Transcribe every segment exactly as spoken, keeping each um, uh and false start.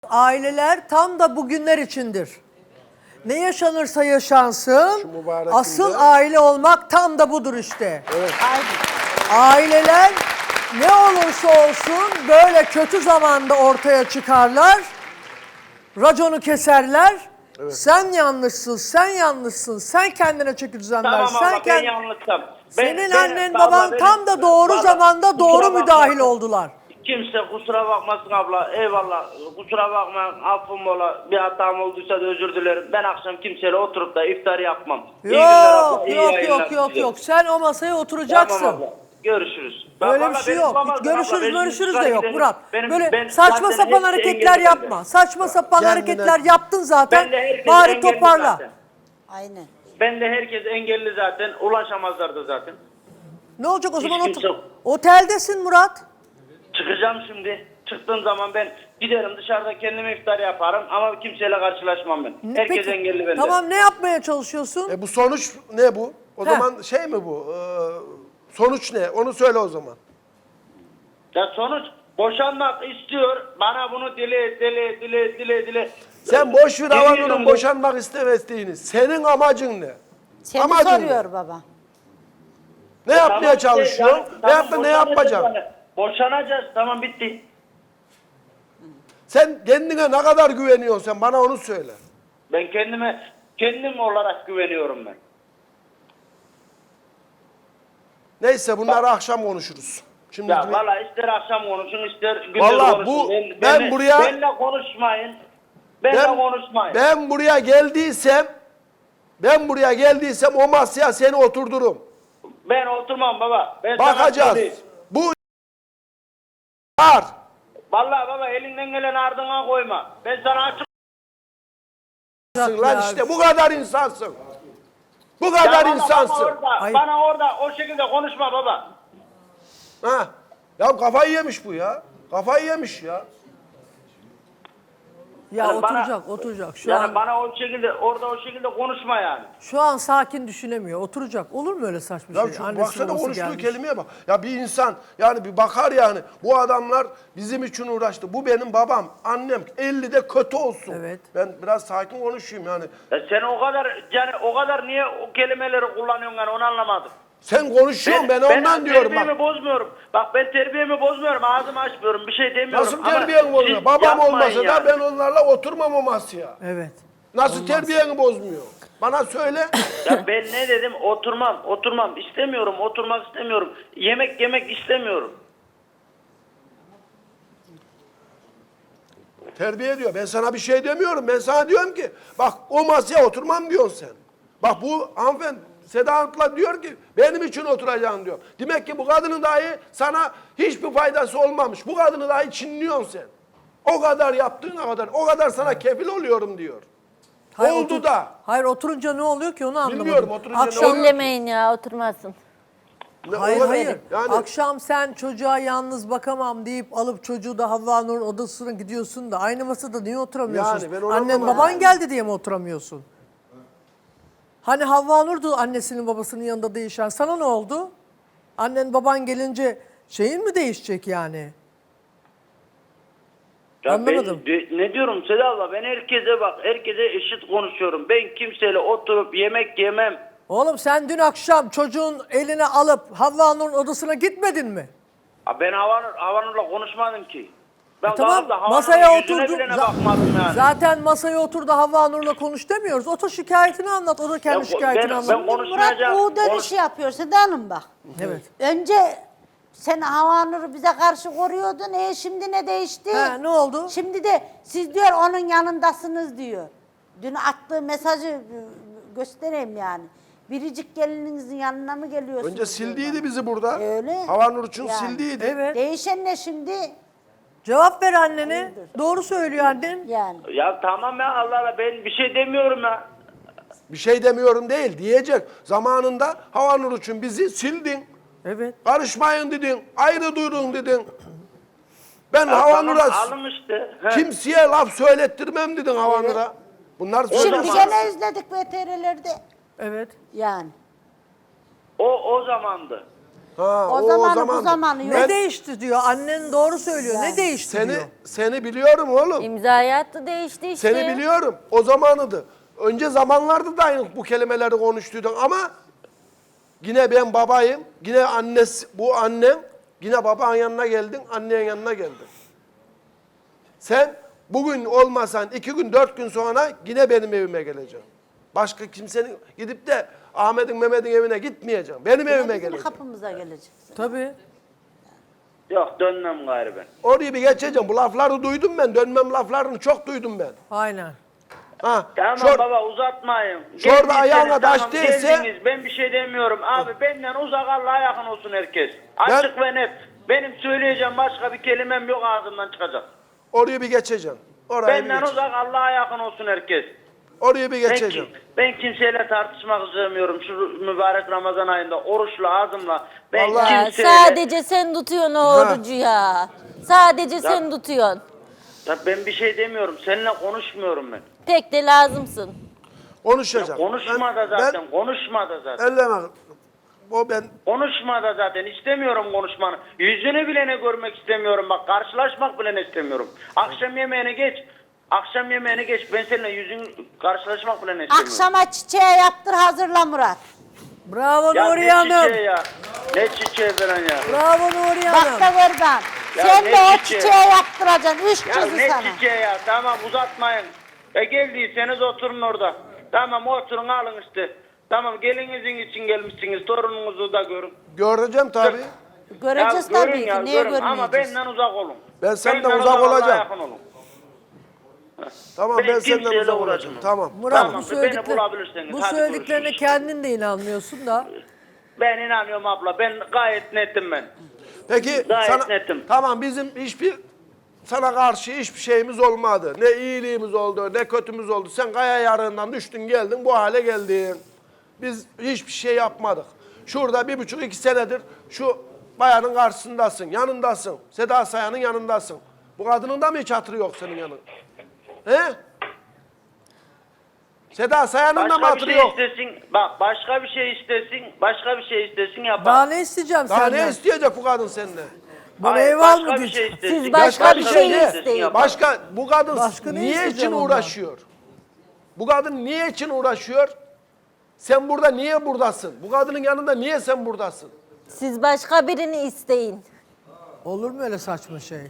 Aileler tam da bugünler içindir. Ne yaşanırsa yaşansın, asıl aile olmak tam da budur işte. Evet. Aileler ne olursa olsun böyle kötü zamanda ortaya çıkarlar, raconu keserler. Evet. Sen yanlışsın, sen yanlışsın, sen kendine çeki düzen ver. Tamam sen ama kend... ben yanlışsam. Senin ben, annen ben, baban benim, tam da doğru baba, zamanda doğru bakma. müdahil oldular. Kimse kusura bakmasın abla, eyvallah, kusura bakma, affım ola, bir hatam olduysa da özür dilerim. Ben akşam kimseyle oturup da iftar yapmam. İyi günler abla, Yok iyi yok yayınlar yok yok size. yok, sen o masaya oturacaksın. Tamam abla, görüşürüz. Böyle Bak, bir valla şey benim yok. babam- Hiç görüşürüz abla, benim görüşürüz de çıkar yok gidelim. Murat. Benim- Böyle ben saçma zaten sapan hepsi hareketler engelli yapma. bende. Saçma sapan Kendine- hareketler yaptın zaten. Ben de herkes Bari engelli toparla. zaten. Aynen. Ben de herkes engelli zaten, ulaşamazlardı zaten. Ne olacak o Hiç zaman kimse- otur. Oteldesin Murat. Çıkacağım şimdi. Çıktığım zaman ben giderim dışarıda kendime iftar yaparım ama kimseyle karşılaşmam ben. Ne- Herkes peki, engelli bende. Tamam, ne yapmaya çalışıyorsun? E bu sonuç ne bu? O Heh. zaman şey mi bu? Ee, sonuç ne? Onu söyle o zaman. Ya sonuç boşanmak istiyor. Bana bunu dile dile dile dile dile. Sen boş ver Yemin Havanur'un ediyorum boşanmak istemediğini. Senin amacın ne? Seni Amacın soruyor ne? baba. Ne Tamam yapmaya işte, çalışıyor? yani, ne tamam, yapma ne boşanacağız yapacaksın? yani. Boşanacağız, tamam, bitti. Sen kendine ne kadar güveniyorsun sen? Bana onu söyle. Ben kendime kendim olarak güveniyorum ben. Neyse bunları akşam konuşuruz. Şimdi Ya bir- valla ister akşam konuşun ister gündüz Vallahi konuşun. bu- ben, ben benle- buraya- benle konuşmayın. Benle ben, konuşmayın. ben buraya geldiysem ben buraya geldiysem o masaya seni oturdurum. Ben oturmam baba. Ben sana Bakacağız. söyleyeyim. Bu var. Vallahi baba elinden gelen ardına koyma. Ben sana açık. Lan işte bu kadar insansın. Bu kadar Ya baba, insansın. Bana orada, Hayır. bana orada o şekilde konuşma baba. Ha. Ya kafayı yemiş bu ya. Kafayı yemiş ya. Ya Yani bana- oturacak, oturacak. Şu yani an bana o şekilde orada o şekilde konuşma yani. şu an sakin düşünemiyor. Oturacak. Olur mu öyle saçma Ya şey? şu Annesi baksana babası konuştuğu gelmiş. kelimeye bak. Ya bir insan yani bir bakar yani. Bu adamlar bizim için uğraştı. Bu benim babam, annem. ellide kötü olsun. Evet. Ben biraz sakin konuşayım yani. Ya sen o kadar yani o kadar niye o kelimeleri kullanıyorsun yani onu anlamadım. Sen konuşuyorsun ben, ondan diyorum terbiyemi bak. bozmuyorum. Bak ben terbiyemi bozmuyorum. Ağzımı açmıyorum. Bir şey demiyorum. Nasıl Ama terbiyeni bozuyor? siz Babam yapmayın olmasa da yani. ben onlarla oturmam o masaya. Evet. Nasıl terbiyeni bozmuyor? Bana söyle. Ya ben ne dedim? Oturmam, oturmam. İstemiyorum, oturmak istemiyorum. Yemek yemek istemiyorum. Terbiye diyor. Ben sana bir şey demiyorum. Ben sana diyorum ki bak o masaya oturmam diyorsun sen. Bak bu hanımefendi Seda Hanım'la diyor ki benim için oturacaksın diyor. Demek ki bu kadının dahi sana hiçbir faydası olmamış. Bu kadını dahi çinliyorsun sen. O kadar yaptığına kadar, o kadar sana kefil oluyorum diyor. Hayır, Oldu otur- da. Hayır, oturunca ne oluyor ki onu anlamadım. Bilmiyorum, oturunca ne Akşam, oluyor? Ellemeyin ya, oturmasın. Ne- Hayır o kadar- hayır. Yani Akşam sen çocuğa yalnız bakamam deyip alıp çocuğu da Havva Nur'un odasına gidiyorsun da aynı masada niye oturamıyorsun? Yani ben onu Annen anlamadım. baban geldi diye mi oturamıyorsun? Hani Havva Nur'du annesinin babasının yanında değişen. Sana ne oldu? Annen baban gelince şeyin mi değişecek yani? Ya Anlamadım. Ben, de- ne diyorum Seda abla? Ben herkese bak, herkese eşit konuşuyorum. Ben kimseyle oturup yemek yemem. Oğlum sen dün akşam çocuğun eline alıp Havva Nur'un odasına gitmedin mi? Ha, Ben Havanur, Havanur'la konuşmadım ki. Ben E tamam, kalkıp da Havanur'un masaya yüzüne oturdu. bile ne Za- bakmadım yani. Zaten masaya otur da Havva Nur'la konuş demiyoruz. Otur şikayetini anlat. O da kendi Ya, şikayetini ben- anlat. ben konuş- Murat Konuşmayacağım. U dönüşü Konuş- yapıyor Seda Hanım bak. Evet. Önce sen Havanur'u bize karşı koruyordun. E şimdi ne değişti? Ha, ne oldu? Şimdi de siz diyor onun yanındasınız diyor. Dün attığı mesajı e, göstereyim yani. Biricik gelininizin yanına mı geliyorsunuz? önce diyor sildiydi bana. bizi burada. Öyle. Havanur için Yani. sildiydi. Evet. Değişen ne şimdi? Cevap ver annene. Doğru söylüyor annen. Yani. Ya tamam ya Allah Allah, ben bir şey demiyorum ya. Bir şey demiyorum değil diyecek. Zamanında Havanur için bizi sildin. Evet. Karışmayın dedin. Ayrı durun dedin. Ben Ya Havanur'a tamam, alın işte. He. kimseye laf söylettirmem dedin Havanur'a. Bunlar Şimdi söylüyorsun. gene izledik V T R'lerde. Evet. Yani. O o zamandı. Ha, O zamanı bu zamandı. zamanı yok. Ne Ben değişti diyor. Annen doğru söylüyor. Ne değişti seni diyor. seni biliyorum oğlum. İmzayı attı değişti işte. Seni biliyorum. O zamanıydı. Önce zamanlarda da aynı bu kelimeleri konuştuydun ama yine ben babayım. Yine annesi, bu annem. Yine babanın yanına geldin, annenin yanına geldin. Sen bugün olmasan iki gün, dört gün sonra yine benim evime geleceksin. Başka kimsenin gidip de Ahmet'in, Mehmet'in evine gitmeyeceğim. Benim evime Bizim geleceksin. kapımıza gelecek. Tabii. Yok dönmem gayrı ben. Orayı bir geçeceğim. Bu lafları duydum ben. Dönmem laflarını çok duydum ben. Aynen. Ha, Tamam şor- baba uzatmayın. şurada Geldiyseniz ayağına taş tamam, değse- geldiniz. Ben bir şey demiyorum. Abi benden uzak Allah'a yakın olsun herkes. Açık ve net. Benim söyleyeceğim başka bir kelimem yok ağzımdan çıkacak. Orayı bir geçeceğim. Orayı bir Benden geçeceğim. uzak Allah'a yakın olsun herkes. Orayı bir Ben, geçeceğim. ki- ben kimseyle tartışmak istemiyorum şu mübarek Ramazan ayında. Oruçla ağzımla. Ben Vallahi- Ya kimseyle... sadece sen tutuyorsun o orucu ya. Sadece sen tutuyorsun. Ya ben bir şey demiyorum. Seninle konuşmuyorum ben. Pek de lazımsın. Konuşacağım. Konuşma da Ben- zaten. Ben, Konuşma da zaten. elleme. O ben Konuşma da zaten. İstemiyorum konuşmanı. Yüzünü bile ne görmek istemiyorum. Bak karşılaşmak bile ne istemiyorum. Akşam yemeğini geç. Akşam yemeğini geç. Ben seninle yüzün karşılaşmak bile ne istemiyorum. Akşama çiçeği yaptır hazırla Murat. Bravo Ya Nuriye ne Hanım. çiçeği ya. Ne çiçeği falan ya. Bravo Nuriye Hanım. Bak da oradan. Ya Sen ne de o çiçeği? çiçeği yaptıracaksın. Üç Ya kızı ne sana. çiçeği ya. Tamam uzatmayın. E geldiyseniz oturun orada. Tamam oturun alın işte. Tamam gelinizin için gelmişsiniz. Torununuzu da görün. göreceğim tabii. Göreceğiz Ya tabii görün ki. ya, Niye görün. Ama görmeyeceğiz? benden uzak olun. Ben senden Benden uzak Allah'a olacağım. yakın olun. Tamam Ben ben, senden kimseyle uzak olacağım. uğraşmam. Tamam. Murat Tamam, bu, beni söyledikler, bulabilirsiniz. bu Hadi söylediklerine görüşürüz. kendin de inanmıyorsun da. Ben inanıyorum abla. Ben gayet netim ben. Peki Gayet sana, netim. tamam bizim hiçbir sana karşı hiçbir şeyimiz olmadı. Ne iyiliğimiz oldu, ne kötümüz oldu. Sen kaya yarığından düştün geldin, bu hale geldin. Biz hiçbir şey yapmadık. Şurada bir buçuk iki senedir şu bayanın karşısındasın, yanındasın. Seda Sayan'ın yanındasın. Bu kadının da mı hiç hatırı yok senin yanında? He? Seda Sayan'ın da mı Başka bir hatırı şey yok? istesin. Bak başka bir şey istesin. Başka bir şey istesin yapar. Daha ne isteyeceğim Daha senden? ne isteyecek bu kadın senden? Bana Hayır, ev al başka mı bir diyecek? şey istesin. Siz başka bir şey ne? isteyin. yapar. Başka bu kadın Başka ne niye için isteyeceğim ondan? uğraşıyor? Bu kadın niye için uğraşıyor? Sen burada niye buradasın? Bu kadının yanında niye sen buradasın? Siz başka birini isteyin. Olur mu öyle saçma şey?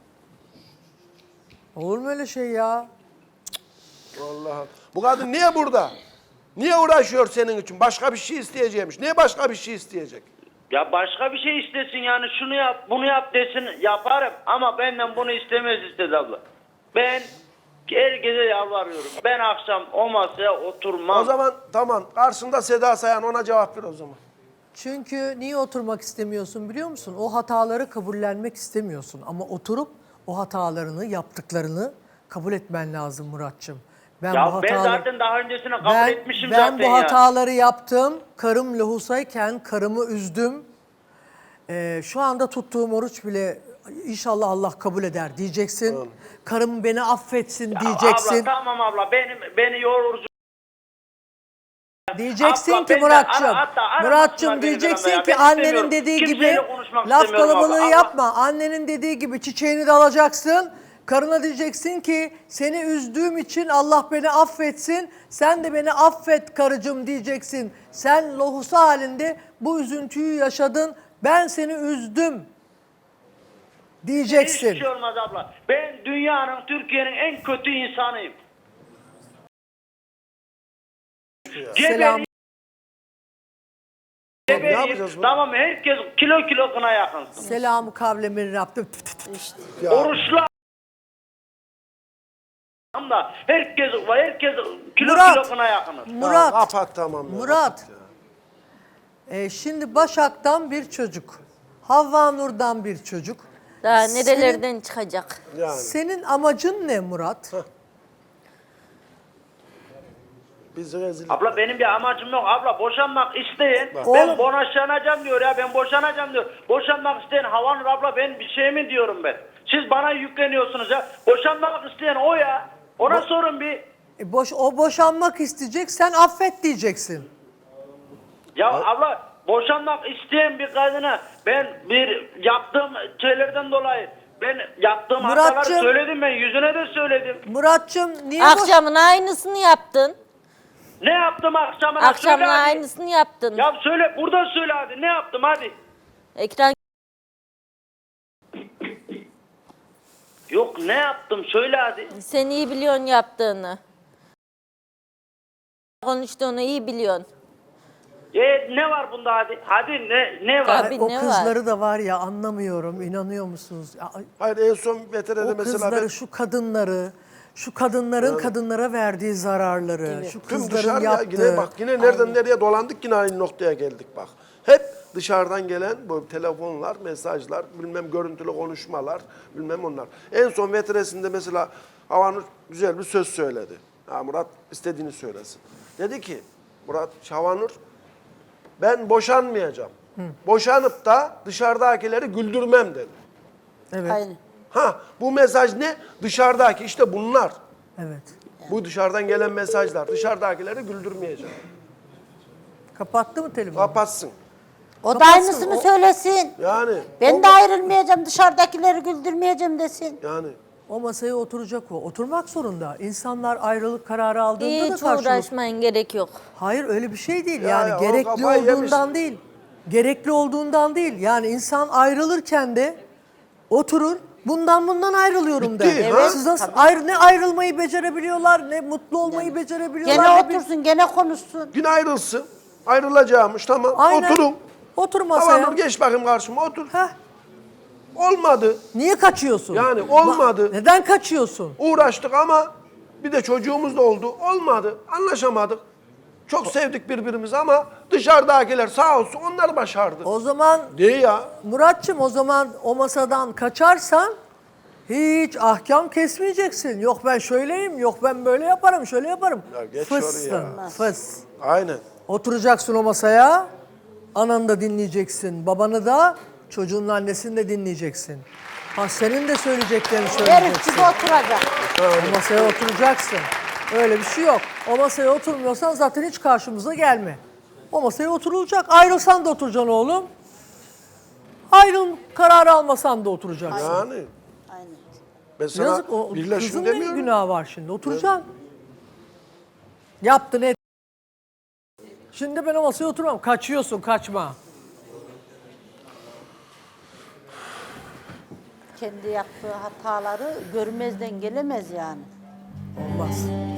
Olur mu öyle şey ya? Allah'ım. Bu kadın niye burada? Niye uğraşıyor senin için? Başka bir şey isteyeceğimiş. Niye başka bir şey isteyecek? Ya başka bir şey istesin yani şunu yap bunu yap desin yaparım ama benden bunu istemez istedi abla. Ben herkese yalvarıyorum. Ben akşam o masaya oturmam. O zaman tamam. Karşında Seda Sayan, ona cevap ver o zaman. Çünkü niye oturmak istemiyorsun biliyor musun? O hataları kabullenmek istemiyorsun. Ama oturup o hatalarını, yaptıklarını kabul etmen lazım Muratçım. Ben ya bu ben hataları... zaten daha öncesine kabul Ben, etmişim ben zaten bu ya. hataları yaptım. Karım lohusayken karımı üzdüm. Ee, şu anda tuttuğum oruç bile inşallah Allah kabul eder diyeceksin. Karım beni affetsin Ya diyeceksin. Abla tamam abla benim beni yorucu. Diyeceksin Abla, ki ben de- Muratçım, ara- hatta aramasınlar Muratçım beni diyeceksin yanına ya. ki Ben annenin istemiyorum. dediği gibi Kimseyle konuşmak laf istemiyorum kalabalığı abla. yapma. Annenin dediği gibi çiçeğini de alacaksın. Karına diyeceksin ki seni üzdüğüm için Allah beni affetsin. Sen de beni affet karıcığım diyeceksin. Sen lohusa halinde bu üzüntüyü yaşadın. Ben seni üzdüm diyeceksin. Hiçbir şey olmaz abla. Ben dünyanın, Türkiye'nin en kötü insanıyım. Selam. Ne Geberiyim. yapacağız bunu? Tamam herkes kilo kilo kına yakınsın. Selamu kavlemin Rabbim. Ya, Oruçlu da herkes herkes kilo Murat. kilo kına yakınır. Murat. kapat tamam. ya, Murat. kapat Ee, şimdi Başak'tan bir çocuk. Havva Nur'dan bir çocuk. Daha Senin- nerelerden çıkacak? ya. Yani Senin amacın ne Murat? biz rezil. Abla benim bir amacım yok. Abla boşanmak isteyen ben Oğlum. boşanacağım diyor ya ben boşanacağım diyor. Boşanmak isteyen Havanur abla ben bir şey mi diyorum ben. Siz bana yükleniyorsunuz ya. Boşanmak isteyen o ya. Ona sorun bir. E boş, o boşanmak isteyecek, sen affet diyeceksin. Ya abla boşanmak isteyen bir kadına ben bir yaptığım şeylerden dolayı ben yaptığım hataları Muratcığım. söyledim, ben yüzüne de söyledim. Muratçım niye boş- Akşamın aynısını yaptın. Ne yaptım akşamına? Akşamın Söyle hadi. aynısını yaptın. Ya söyle, burada söyle hadi, ne yaptım hadi. Ekran Yok, ne yaptım söyle hadi. sen iyi biliyorsun yaptığını. Konuştuğunu iyi biliyorsun. E, ne var bunda hadi? Hadi ne ne var? Tabii. Ay, o ne var? kızları da var ya anlamıyorum. İnanıyor musunuz? Ya, ay, Hayır en son veterede o mesela kızları, ben şu kadınları, şu kadınların kadınlara verdiği zararları, şu tüm kızların dışarıya yaptığı. yine bak yine nereden nereye dolandık yine aynı noktaya geldik bak. Hep dışarıdan gelen bu telefonlar, mesajlar, bilmem görüntülü konuşmalar, bilmem onlar. En son vetresinde mesela Havanur güzel bir söz söyledi. Ha, Murat istediğini söylesin. Dedi ki Murat Havanur ben boşanmayacağım. Boşanıp da dışarıdakileri güldürmem dedi. Evet, Aynen. Ha bu mesaj ne? Dışarıdaki işte bunlar. evet. Bu dışarıdan gelen mesajlar. Dışarıdakileri güldürmeyeceğim. Kapattı mı telefonu? Kapatsın. O da Kapatsın, aynısını o- söylesin. Yani. Ben de ayrılmayacağım, dışarıdakileri güldürmeyeceğim desin. Yani. O masaya oturacak o. Oturmak zorunda. İnsanlar ayrılık kararı aldığında da Hiç karşılık. uğraşmayın, gerek yok. Hayır öyle bir şey değil. Ya, yani ya, o gerekli kafayı olduğundan yemiş. değil. Gerekli olduğundan değil. Yani insan ayrılırken de oturur. Bundan bundan ayrılıyorum Bitti, der. ha? Siz nasıl ayrı, ne ayrılmayı becerebiliyorlar, ne mutlu olmayı becerebiliyorlar. Gene ne bir- otursun, gene konuşsun. Yine ayrılsın. Ayrılacağımış tamam. Aynen. Oturun. Otur masaya. Havanur geç bakayım karşıma otur. Heh. Olmadı. Niye kaçıyorsun? Yani olmadı. Neden kaçıyorsun? Uğraştık ama bir de çocuğumuz da oldu. Olmadı. Anlaşamadık. Çok sevdik birbirimizi ama dışarıdakiler sağ olsun onlar başardı. O zaman Değil ya. Muratçım o zaman o masadan kaçarsan hiç ahkam kesmeyeceksin. Yok ben şöyleyim, yok ben böyle yaparım, şöyle yaparım. Ya geç Fıssın, oraya. fıs. Aynen. Oturacaksın o masaya, ananı da dinleyeceksin, babanı da, çocuğun annesini de dinleyeceksin. Ha senin de söyleyeceklerini Herif söyleyeceksin. gibi oturacak. O masaya oturacaksın. Öyle bir şey yok. O masaya oturmuyorsan zaten hiç karşımıza gelme. O masaya oturulacak. Ayrılsan da oturacaksın oğlum. Ayrıl kararı almasan da oturacaksın. Yani. Aynen. Ben sana Yazık o birleşin kızın ne demiyorum. günahı var şimdi? Oturacaksın. Yaptın et. Şimdi ben o masaya oturmam. Kaçıyorsun, kaçma. Kendi yaptığı hataları görmezden gelemez yani. Olmaz.